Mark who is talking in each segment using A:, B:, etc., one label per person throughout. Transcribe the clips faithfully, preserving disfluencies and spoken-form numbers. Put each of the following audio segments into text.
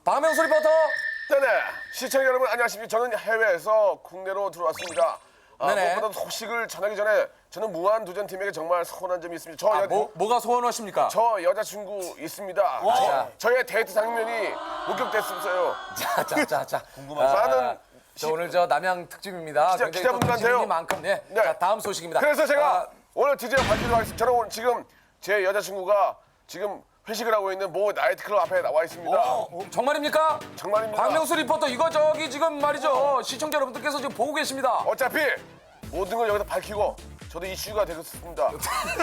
A: 박명수 리포터.
B: 네네. 시청자 여러분 안녕하십니까. 저는 해외에서 국내로 들어왔습니다. 아,
A: 네네.
B: 무엇보다 소식을 전하기 전에 저는 무한도전팀에게 정말 서운한 점이 있습니다. 저,
A: 아,
B: 여,
A: 뭐, 뭐가 소원하십니까?
B: 저 여자친구 있습니다. 저, 저의 데이트 장면이 목격됐었어요.
A: 자, 자, 자, 자. 궁금하죠.
B: 많은
A: 저 오늘 저 남양 특집입니다.
B: 기자-
A: 굉장히 또
B: 기자분들한테요.
A: 특집이니만큼 네.
B: 네.
A: 자, 다음 소식입니다.
B: 그래서 제가
A: 아,
B: 오늘 드디어 밝히도록 하겠습니다. 저는 오늘 지금 제 여자친구가 지금 회식을 하고 있는 모 나이트클럽 앞에 나와 있습니다.
A: 어, 정말입니까?
B: 정말입니다.
A: 박명수 리포터 이거 저기 지금 말이죠. 시청자 여러분들께서 지금 보고 계십니다.
B: 어차피 모든 걸 여기다 밝히고 저도 이슈가 되겠습니다.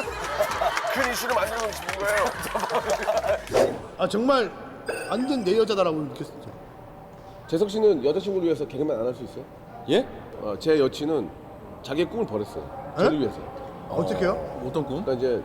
B: 큰 이슈를 만들고 싶은 거예요.
C: 아 정말 완전 내 여자다라고 느꼈어요.
B: 재석 씨는 여자친구를 위해서 개그맨 안 할 수 있어요?
D: 예?
B: 어, 제 여친은 자기의 꿈을 버렸어요. 저를 위해서.
C: 어떻게요?
D: 어떤 꿈?
B: 그러니까 이제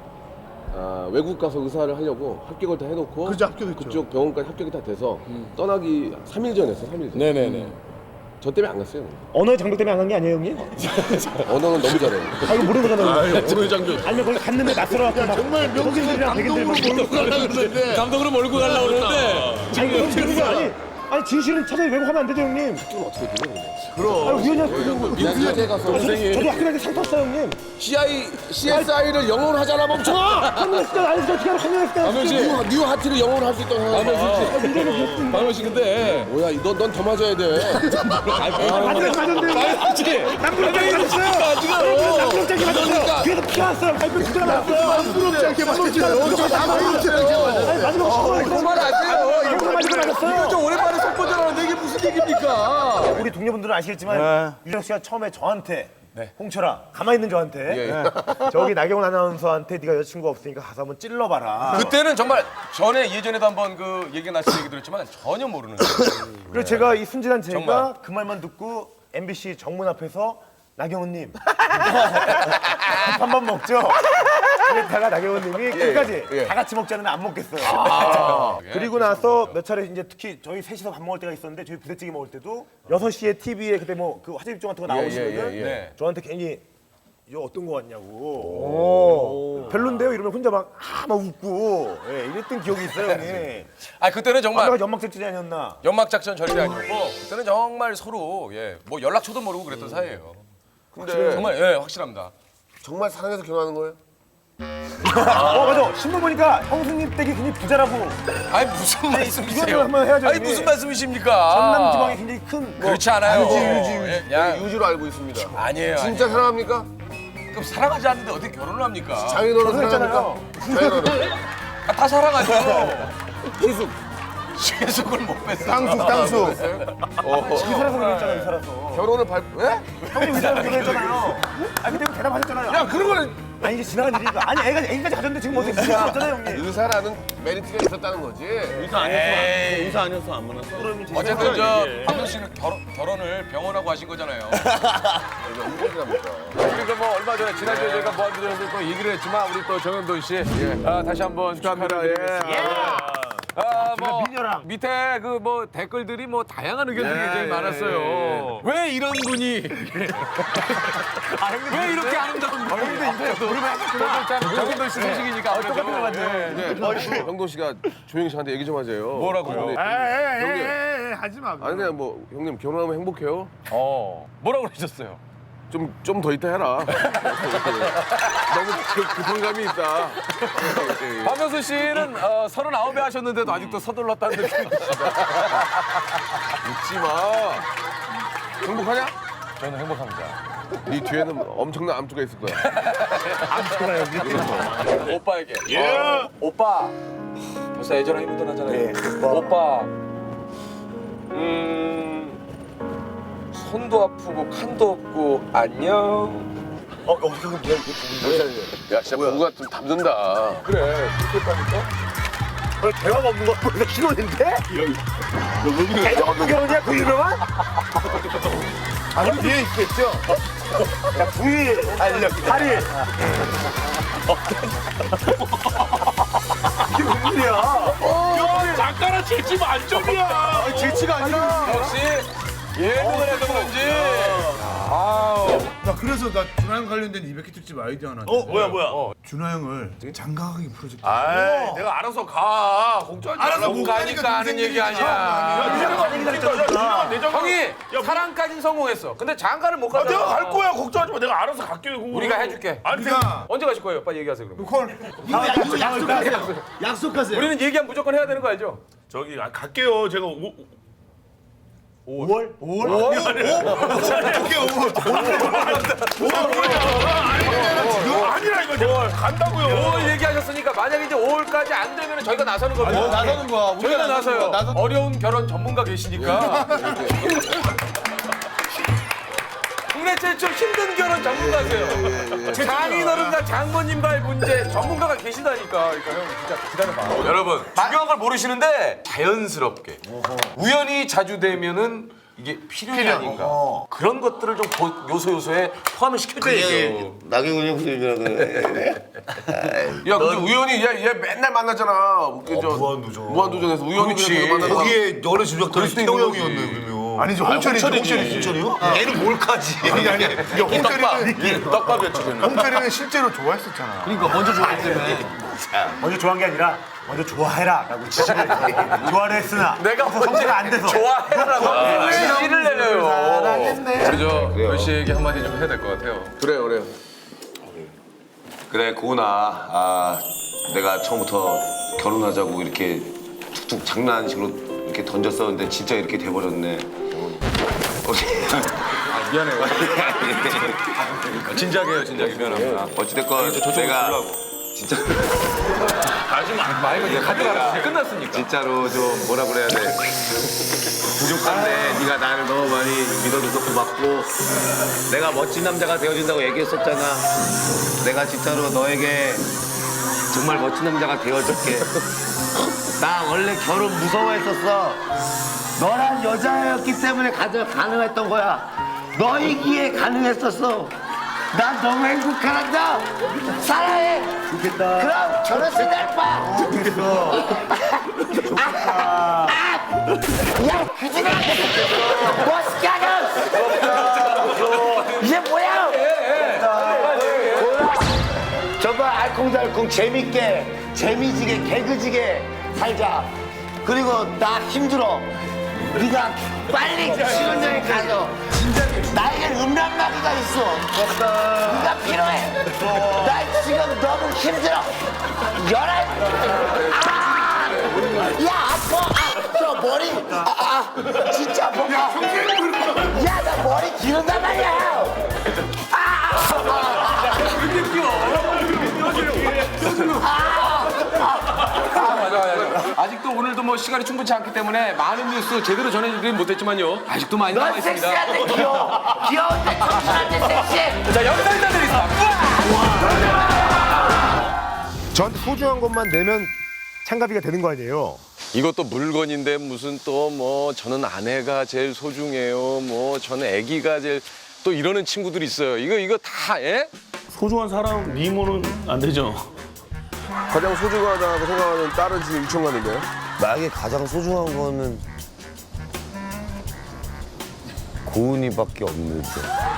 B: 아, 외국 가서 의사를 하려고 합격을 다 해놓고
C: 그죠, 합격했죠.
B: 그쪽 병원까지 합격이 다 돼서 떠나기 삼 일 전에 했어, 삼 일 전.
D: 네네네.
B: 저 때문에 안 갔어요.
E: 언어의 장벽 때문에 안 간 게 아니에요, 형님?
B: 언어는 너무 잘해요.
E: 아, 이거 모르는 거잖아요.
D: 오늘 장면.
E: 아니면 거기 갔는데 낯설어갖고 막
C: 정말
E: 흑인들이랑 백인들 막
C: 감동으로 몰고 가려고 그러는데
D: 감독으로 몰고 가려고 그러는데.
E: 아니, 그런 그런 게 아니. 아니, 진실은 찾아서 외국하면 안 되죠, 형님?
B: 그건 어떻게 돼요? 근데?
E: 아, 우연히 그
D: 민수한테 가서 선생님.
E: 저도 학교 다닐 때 상 탔어요, 형님.
B: 씨아이, 씨에스아이를 영어로 하잖아, 멈춰!
E: 한국에서 안 했을 때 어떻게 하나 한국에서 때
D: 박명 씨.
B: 뉴, 뉴 하트를 영어로 할 수 있다고 생각해.
D: 박명 씨 근데.
B: 뭐야, 넌 더 맞아야 돼.
E: 맞아요, 맞았는데.
D: 박명 씨.
E: 남부럽게 맞았어요.
D: 지금.
E: 남부럽게 맞았어요. 뒤에서 피가 왔어요. 발표 진짜 났어요.
C: 부럽지 않게 맞았죠. 여기서 다 부럽지 않게 맞았죠.
E: 아니, 마지막 시간에
A: 그만하세요.
E: 이거 맞고 맞았어요.
A: 이거 좀 오랜만에 속보잖아. 이게 무슨 얘기입니까?
E: 우리 동료분들은 아시겠지만 유정 씨가 처음에 저한테 홍철아 가만히 있는 저한테 예. 저기 나경원 아나운서한테 네가 여자친구가 없으니까 가서 한번 찔러봐라.
A: 그때는 정말 전에 예전에도 한번 그 얘기 나신 얘기 들었지만 전혀 모르는 거예요.
E: 그래서 제가 이 순진한 제가
A: 정말.
E: 그 말만 듣고 엠비씨 정문 앞에서 나경원님 한 번 먹죠. 그랬다가 나경원님이 끝까지
B: 예.
E: 다 같이 먹자는 안 먹겠어요. 그리고 나서 몇 차례 이제 특히 저희 셋이서 밥 먹을 때가 있었는데 저희 부대찌개 먹을 때도 여섯 시에 티비에 그때 뭐 그 화제 집중 같은 거 나오시면은
B: 예, 예, 예.
A: 네.
E: 저한테 괜히 이거 어떤 거 같냐고 별론데요 이러면 혼자 막 아 막 웃고 예, 이랬던 기억이 있어요 형님.
A: 아 그때는 정말
E: 아까 연막 작전이 아니었나?
A: 연막 작전 절대 아니었고 그때는 정말 서로 예, 뭐 연락처도 모르고 그랬던 사이예요.
B: 근데
A: 정말 예, 확실합니다.
B: 정말 사랑해서 결혼하는 거예요?
E: 어 맞아 신문 보니까 형수님 댁이 굉장히 부자라고
A: 아니 무슨 말씀이세요?
E: 이거는 한번 해야죠,
A: 아니
E: 형님.
A: 무슨 말씀이십니까?
E: 전남 지방에 굉장히 큰 뭐,
A: 그렇지 않아요.
B: 유지, 유지, 유지.
A: 예, 야,
B: 유지로 알고 있습니다.
A: 아니에요.
B: 진짜 사랑합니까?
A: 아니에요. 그럼 사랑하지 않는데 어떻게 결혼을 합니까?
B: 장인어른
E: 결혼했잖아요.
B: 사랑합니까? 장인어른.
A: 아, 다 사랑하죠.
B: 희숙.
A: 계속을 못 뺐어.
C: 땅수 땅수.
E: 의사라서 그랬잖아 의사라서
B: 결혼을 발, 왜?
E: 형님 의사라서 그랬잖아요. 아 그때 대답하셨잖아요.
B: 야, 그런 거는
E: 아니 이제 지나간 일이니까 아니 애가 애기까지 가졌는데 지금 어떻게 부를 수 없잖아요 형님.
B: 의사라는 메리트가 있었다는 거지.
D: 의사 아니었어. 의사 아니었어 안 만났어.
A: 어쨌든 저 박명 씨는 결혼, 결혼을 병원하고 하신 거잖아요.
B: 이게 엉뚱이랍니까?
F: 그러니까 뭐 얼마 전에 지난주에 저희가 무한도전에서 또 얘기를 했지만 우리 또 정현돈 씨 아, 다시 한번 축하합니다. 예. 아, 뭐
E: 미녀랑.
F: 밑에 그 뭐 댓글들이 뭐 다양한 의견들이 굉장히 많았어요. 왜 이런 분이 왜 이렇게 아름다운 분이 정현돈 씨 소식이니까 아무래도
B: 네. 형돈 씨가 조영 씨한테 얘기 좀 하세요.
A: 뭐라고요?
B: 네.
C: 에에에에 하지 마.
B: 아니 그냥 뭐 형님 결혼하면 행복해요?
F: 어 뭐라고 그러셨어요?
B: 좀 좀 더 있다 해라. 너무 급- 급한 감이 있다.
F: 박명수 씨는 어, 서른아홉에 하셨는데도 아직도 서둘렀다는 느낌이
B: 웃지 마. 행복하냐?
F: 저는 행복합니다.
B: 네 뒤에는 엄청난 암투가 있을 거야.
F: 오빠에게. 예. 오빠. 벌써 예전에 묻어나잖아요. 오빠. 음. 손도 아프고 칸도 없고 안녕.
E: 어 어떻게 그럼 미안 이게
B: 야 진짜 뭔가 좀 담는다.
F: 그래. 그렇게 했다니까.
E: 어, 대화가 없는 거 보니까 신혼인데? 대화도 결혼이야 그 유명한? 아 그럼 뒤에 있겠죠? 야 구 일 알려 팔 일 이게 무슨 일이야?
D: 잠깐은 질지 만점이야.
E: 질치가 아니라
F: 역시 예능을 해서 그런지
C: 나 그래서 나 준하 형 관련된 이백 회 특집 아이디어 하나.
E: 어 뭐야 뭐야.
C: 준하 형을 장가가기 프로젝트.
F: 아, 내가 알아서 가. 걱정하지 말라.
C: 알아서
F: 못
C: 못
F: 가니까
C: 가니까
F: 하는 얘기
C: 동생들이
F: 아니야. 형이
A: 형이 사랑까진 성공했어. 근데 장가를 못 가잖아.
E: 내가 갈 거야 걱정하지 마. 내가 알아서 갈게. 그거.
A: 우리가 해줄게.
E: 아니
C: 우리가
A: 언제 가실 거예요? 빨리 얘기하세요 그럼.
C: 콜.
E: 약속하세요. 약속하세요.
A: 우리는 얘기하면 무조건 해야 되는 거 알죠?
E: 저기 아, 갈게요. 제가 오,
C: 오월? 오월? 오월? 어떻게 오월?
E: 아니라 이거 제가 간다고요.
A: 오월 얘기하셨으니까 만약에 이제 오월까지 안 되면 저희가 나서는 겁니다.
C: 나서는 거야.
A: 저희가 나서요. 어려운 결혼 전문가 계시니까. 국내 최초 힘든 결혼 전문가세요. 장인어른과 장모님과의 문제 전문가가 계시다니까. 그러니까 형 진짜 기다려봐. 여러분 중요한 걸 모르시는데 자연스럽게 우연히 자주 되면은 이게 필연이 아닌가. 그런 것들을 좀 고- 요소 요소에 포함을 시켜줘야죠.
G: 나경원 형님이라 그래.
B: 야 근데 우연히 얘, 얘 맨날 만나잖아. 웃기죠.
G: 무한도전.
B: 무한도전에서 우연히 그냥 만나다가
G: 거기에 너네 집작들이
B: 수도 있는
G: 태호
B: 거지.
G: 형이었네 그러면.
C: 아니지 홍철이지. 홍철이지.
G: 홍철이요? 얘는 뭘까지?
C: 아니 아니. 이게 홍철이는
B: 떡밥이었지. 걔는.
C: 홍철이는 실제로 좋아했었잖아.
G: 그러니까 먼저 좋아했기 때문에.
E: 먼저 좋아한 게 아니라 먼저 좋아해라라고 지시를 좋아를 했으나
A: 내가
E: 성취가 안 돼서
A: 좋아해라고 지시를 내려요.
F: 우리 저 별씨에게 한마디 좀 해야 될 것 같아요.
B: 그래요, 그래요.
G: 그래 고은아, 아 내가 처음부터 결혼하자고 이렇게 툭툭 장난식으로 이렇게 던졌었는데 진짜 이렇게 돼버렸네.
A: 아, 미안해요. 진작에요, 진작에 미안합니다.
G: 어찌됐건 내가 진짜
A: 말고 이제 가져가라. 이제 끝났으니까.
G: 진짜로 좀 뭐라 그래야 돼. 부족한데 네가 나를 너무 많이 믿어줘서 고맙고 내가 멋진 남자가 되어준다고 얘기했었잖아. 내가 진짜로 너에게 정말 멋진 남자가 되어줄게. 나 원래 결혼 무서워했었어. 너란 여자였기 때문에 가장 가능했던 거야. 너이기에 가능했었어. 난 너무 행복하단다. 사랑해. 좋겠다. 그럼 결혼식 날 봐. 좋겠어. 아, 아, 야, 규진아. 멋있게 하자. 이게 뭐야? 뭐야? 정말 알콩달콩 재밌게, 재미지게, 개그지게 살자. 그리고 나 힘들어. 네가 빨리 신혼여행 가서 나에게 음란마귀가 있어. 네가 필요해. 나 지금 너무 힘들어. 열한. 아! 야 아파. 아, 저 머리. 아, 아 진짜 아파. 야, 나 머리 기른단 말이야. 아, 아, 아, 아.
A: 맞아, 맞아. 아직도 오늘도 뭐 시간이 충분치 않기 때문에 많은 뉴스 제대로 전해드리진 못했지만요. 아직도 많이 남아
E: 넌
A: 있습니다.
E: 섹시한데 귀여워. 귀여운데 청순한데 섹시해.
A: 자, 여기서 인사드리겠습니다.
E: 저한테 소중한 것만 내면 참가비가 되는 거 아니에요?
F: 이것도 물건인데 무슨 또 뭐 저는 아내가 제일 소중해요. 뭐 저는 아기가 제일 또 이러는 친구들이 있어요. 이거 이거 다 예?
D: 소중한 사람 미모는 안 되죠.
B: 가장 소중하다고 생각하는 딸은 지금 유치원 가는데요.
G: 나에게 가장 소중한 거는 고은이밖에 없는데.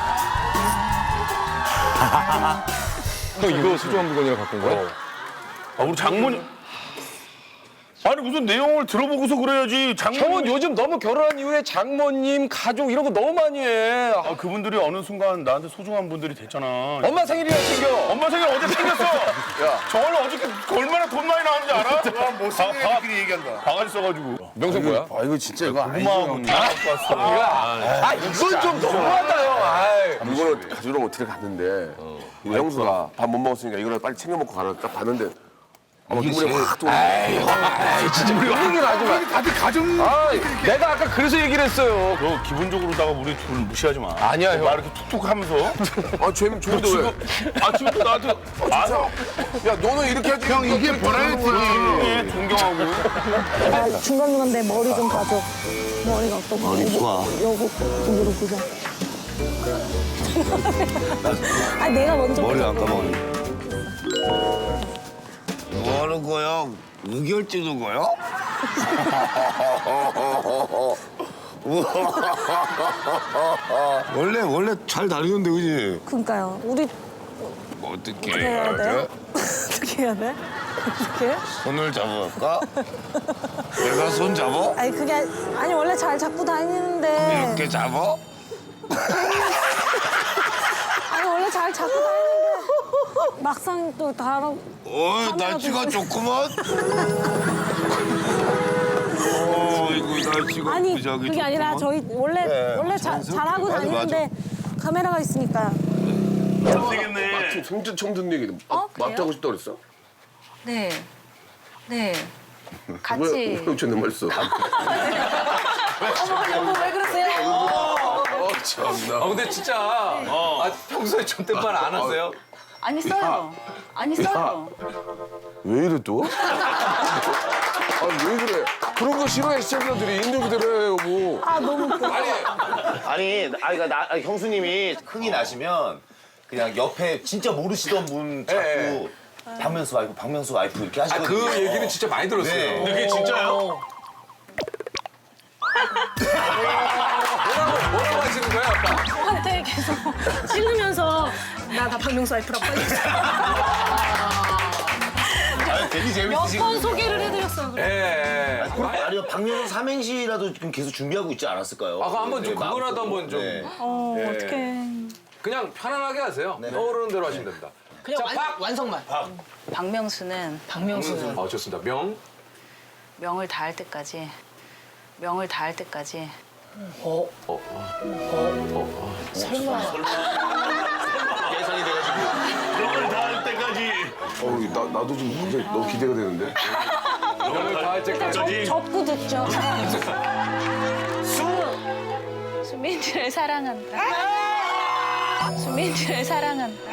F: 형 이거 소중한 물건이라 갖고 온 거야?
E: 아, 우리 장모님. 아니 무슨 내용을 들어보고서 그래야지. 장모님.
F: 형은 요즘 너무 결혼한 이후에 장모님, 가족 이런 거 너무 많이 해. 아,
E: 아, 그분들이 어느 순간 나한테 소중한 분들이 됐잖아.
F: 엄마 생일이라 챙겨.
E: 엄마 생일 어제 챙겼어. 야, 저걸 어저께 얼마나 돈 많이 나왔는지 알아?
C: 못생긴 얘기한다.
E: 바가지 써가지고.
F: 명성 뭐야?
B: 아 이거 진짜 이거
E: 고마워.
F: 아 이건 좀 너무하다 형. 아이.
B: 물건을 가지러 호텔에 갔는데 우리 형수가 밥 못 먹었으니까 이거를 빨리 챙겨 먹고 가라 딱 봤는데 아마 눈물이 확 돌아.
F: 아이 진짜 그런 얘기를 하지 마.
C: 다들 가정.
F: 아 내가 아까 그래서 얘기를 했어요.
E: 너 기본적으로다가 우리 둘 무시하지 마.
F: 아니야, 형.
E: 막 이렇게 툭툭 하면서.
B: 아 쟤는 좋은데 왜?
E: 아침부터 나한테 아,
B: 야 너는 이렇게 하지.
C: 형 이게 버라이어티.
E: 예, 존경하고.
H: 아, 중간중간 내 머리 좀 봐줘. 머리가 어떤가? 머리 좋아. 여기 쪽으로 보자. 아, 내가 먼저
G: 머리 안
H: 보자.
G: 감아. 뭐 하는 거야? 우결 찌는 거야? 원래 원래 잘 다루는데 그지?
H: 그러니까요. 우리
G: 어떻게
H: 어떻게 해야 돼? 어떻게 해야 돼? 어떻게?
G: 손을 잡아볼까? 내가 손 잡아?
H: 아니 그게 아니, 아니 원래 잘 잡고 다니는데.
G: 이렇게 잡아?
H: 아니 원래 잘 잡고 다니는데 막상 또 다른.
G: 어이 날씨가 좋구만. 어 이거 날씨가
H: 아니
G: 무지하게
H: 그게 아니라
G: 좋구만.
H: 저희 원래
G: 네,
H: 원래 자,
G: 자연스럽게.
H: 잘하고
G: 맞아,
H: 다니는데 카메라가 있으니까.
B: 마트 성준 처음 듣는 얘기.
I: 어,
B: 마트
I: 그래요?
B: 하고 싶다 그랬어?
I: 네. 네.
B: 왜
I: 같이.
B: 왜 저는 말 써?
I: 어머, 여보 왜 그러세요?
B: 어 참나.
A: 아 근데 진짜 아, 평소에 존댓말 안 하세요?
I: 아니 써요. 아니 써요.
B: 왜 이래 또? 아니 왜 그래? 그런 거 싫어해 시청자들이 있는 그대로 해 여보.
H: 아 너무 웃겨.
A: 아니
E: 아니, 아, 그러니까 나, 아니, 형수님이 흥이 나시면 그냥 옆에 진짜 모르시던 분 자꾸
A: 예,
E: 박명수 와이프, 박명수 와이프 이렇게
A: 아,
E: 하시거든요.
A: 그 얘기는 진짜 많이 들었어요.
E: 네.
A: 그게 진짜요? 뭐라고 뭐라고 하시는 거예요, 아빠?
H: 저한테 계속 찔르면서 나 나 박명수 와이프라고 빨리.
E: 아, 되게 재밌으시고.
H: 몇 번 소개를 해드렸어요. 그래.
A: 예. 예.
E: 아니면 박명수 삼행시라도 지금 계속 준비하고 있지 않았을까요?
A: 아, 그럼 한번 좀
E: 네,
A: 그거라도
E: 마음속으로.
A: 한번 좀.
E: 네.
H: 어
A: 예.
H: 어떡해.
A: 그냥 편안하게 하세요. 떠오르는 대로 하시면 됩니다.
J: 그냥
A: 자,
J: 완,
A: 박!
J: 완성만.
I: 박명수는
J: 박명수는.
A: 아, 좋습니다. 명.
I: 명을 다할 때까지. 명을 다할 때까지.
J: 어?
A: 어,
J: 설마.
E: 예상이 돼가지고.
C: 명을 다할 때까지.
B: 어우 나 나도 좀 굉장히 너무 기대가 되는데.
A: 명을 다할 때까지.
H: 접고 듣죠.
I: 수민이를 사랑한다. 수민이를 사랑한다.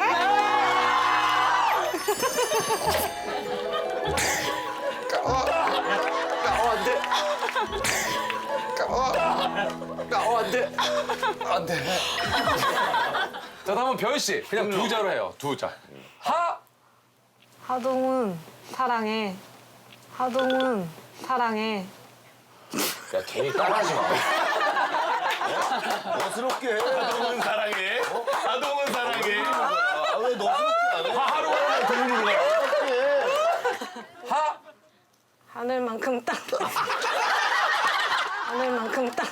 A: 자, 다음은 변 씨. 그냥 두 자로 해요. 두 자. 하.
H: 하동은 사랑해. 하동은 사랑해.
E: 야, 괜히 따라하지 마. 너스럽게 해. 아동은 사랑해. 아동은 사랑해. 아, 왜 너스럽게 안 해?
A: 하루가 동물로 가. 하.
H: 하늘만큼 땅. 하늘만큼 땅.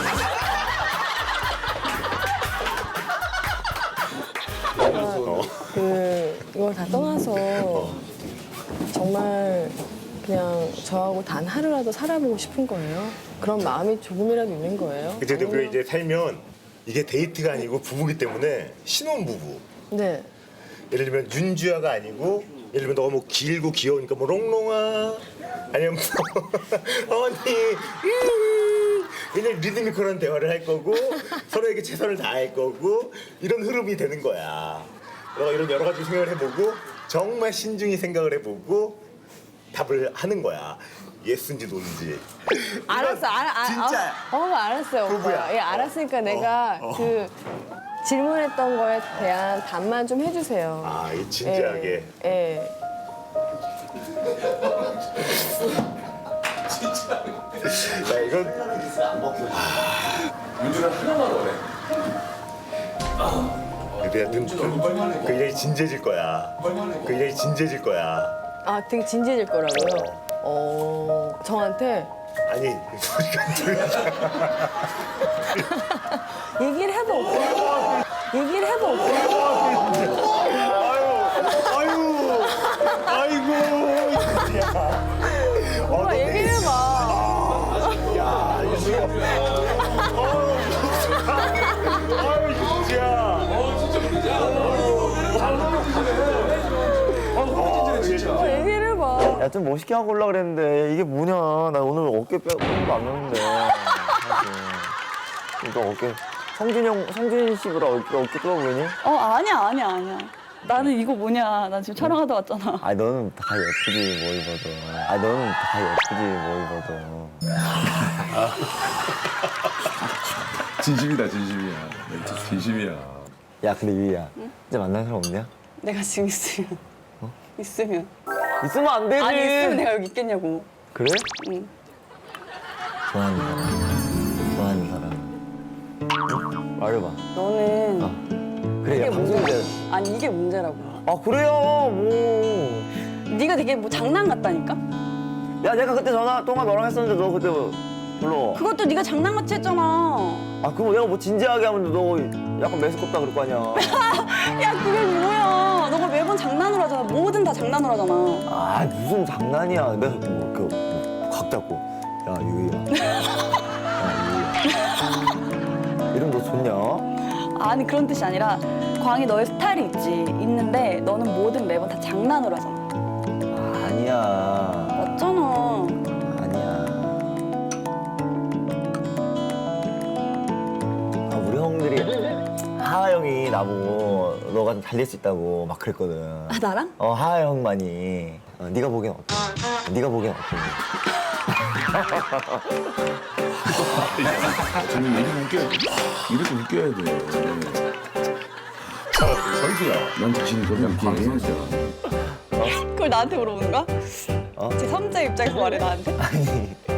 K: 그 이걸 다 떠나서 정말 그냥 저하고 단 하루라도 살아보고 싶은 거예요. 그런 마음이 조금이라도 있는 거예요.
E: 그때도 우리가 이제 살면 이게 데이트가 아니고 부부기 때문에 신혼부부.
K: 네.
E: 예를 들면 윤주아가 아니고 예를 들면 너가 뭐 길고 귀여우니까 뭐 롱롱아 아니면 뭐 언니 음, 그냥 리드미컬한 대화를 할 거고 서로에게 최선을 다할 거고 이런 흐름이 되는 거야. 너가 이런 여러 가지 생각을 해보고 정말 신중히 생각을 해보고 답을 하는 거야. 예스인지 노인지.
K: 알았어, 알아, 아,
E: 진짜.
K: 어, 어, 알았어요,
E: 부부야.
K: 오빠. 예, 알았으니까 내가
E: 어.
K: 그 질문했던 거에 대한 답만 좀 해주세요.
E: 아, 이 진지하게.
K: 예. 예.
E: 야, 이건
A: 윤주는 하나만 원해.
E: 그래야 좀 굉장히 진지해질 거야. 굉장히 진지해질 거야.
K: 아, 되게 진지해질 거라고요? 어, 저한테
E: 아니, 우리가 둘이
H: 얘기를 해볼게. 얘기를 해볼게.
E: 아유, 아이고, 진짜.
K: 오빠 얘기를 해봐.
E: 야, 유수야. 아유, 유수야.
K: 오빠 얘기를 해봐.
L: 야, 좀 멋있게 하고 올라 그랬는데 이게 뭐냐. 나 오늘 어깨 빼고 안 넣는데. 사실. 그러니까 어깨. 성준 형, 성준 씨보다 어깨, 어깨 뚫어 보이니?
I: 어 아니야 아니야 아니야. 나는 이거 뭐냐. 나 지금 촬영하다 왔잖아.
L: 아, 너는 다 예쁘지, 뭐 입어도. 아, 너는 다 예쁘지, 뭐 입어도.
A: 진심이다, 진심이야. 진심이야.
L: 야, 근데 유희야. 진짜 만난 사람 없냐?
I: 내가 지금 있으면. 있으면.
L: 있으면 안 되지.
I: 아니 있으면 내가 여기 있겠냐고.
L: 그래?
I: 응.
L: 좋아하는 사람. 좋아하는 사람. 말해봐.
K: 너는
L: 그래,
K: 이게
L: 야, 방송인데.
K: 아니 이게 문제라고.
L: 아, 그래요, 뭐.
I: 네가 되게 뭐 장난 같다니까?
L: 야, 내가 그때 전화 통화 너랑 했었는데 너 그때 뭐 불러.
I: 그것도 네가 장난같이 했잖아.
L: 아, 그거 내가 뭐 진지하게 하면 너 약간 매스껍다 그럴 거 아니야.
I: 야 그게 뭐야? 너가 매번 장난으로 하잖아. 뭐든 다 장난으로 하잖아.
L: 아, 무슨 장난이야. 내가 뭐, 그, 뭐, 각 잡고. 야, 유희야. 야, 유희야. 이름 너 좋냐?
I: 아니 그런 뜻이 아니라 광희 너의 스타일이 있지. 있는데 너는 뭐든 매번 다 장난으로 하잖아.
L: 아니야.
I: 맞잖아.
L: 아니야. 아, 우리 형들이 하하 형이 나보고 너가 좀 잘 될 수 있다고 막 그랬거든.
I: 아 나랑?
L: 어, 하하 형만이. 어, 네가 보기엔 어때? 네가 보기엔 어때?
C: 저는 이렇게 웃겨야 돼. 이렇게 웃겨야 돼. 설수야, 난 자신이 그런 이렇게 해야죠.
I: 그걸 나한테 물어보는 거야?
L: 어?
I: 제 삼자 입장에서 말해 나한테?
L: 아니.